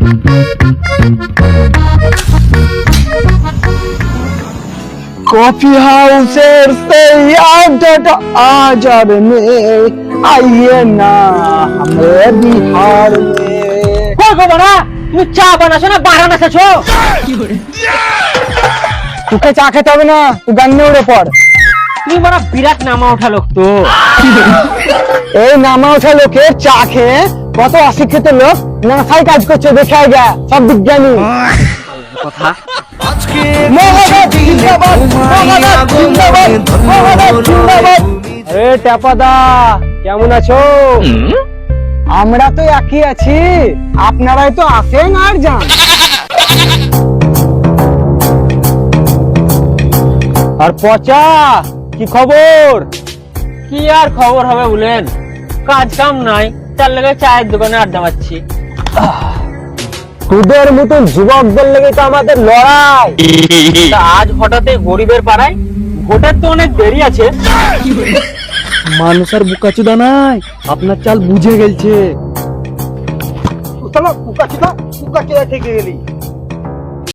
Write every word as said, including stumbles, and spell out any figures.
Coffee हाउसेर সেই আড্ডাটা আজ আর নেই, आइए ना हमारे बिहार में। কই গো বড়া, তুমি চা বানাছো না বারান আছো? তোকে চা খেতে হবে না, তুই গান নিয়ে উড়ে পড়। তুমি বড় বিরাট নামা ওঠা লোক তো। এই নামা ওঠা লোকের চা খেয়ে কত অশিক্ষিত লোক নাসায় কাজ করছে দেখে আগে সব বিজ্ঞানী কথা। আরে টেপাদা কেমন আছো? আমরা তো একই আছি, আপনারাই তো আসেন আর যান। আর পচা কি খবর? কি আর খবর হবে বলেন, কাজ কাম নাই, তার লাগে চায়ের দোকানে আড্ডা মারছি। তোদের মতন যুবকদের লেগে তো আমাদের লড়াই। তা আজ হঠাৎ গরিবের পাড়ায়, ভোটের তো অনেক দেরি আছে। মানুষের বুকাচুদা নাই, আপনার চাল বুঝে গেছে। বুকাচুদা বুকাচুদা থেকে গেলি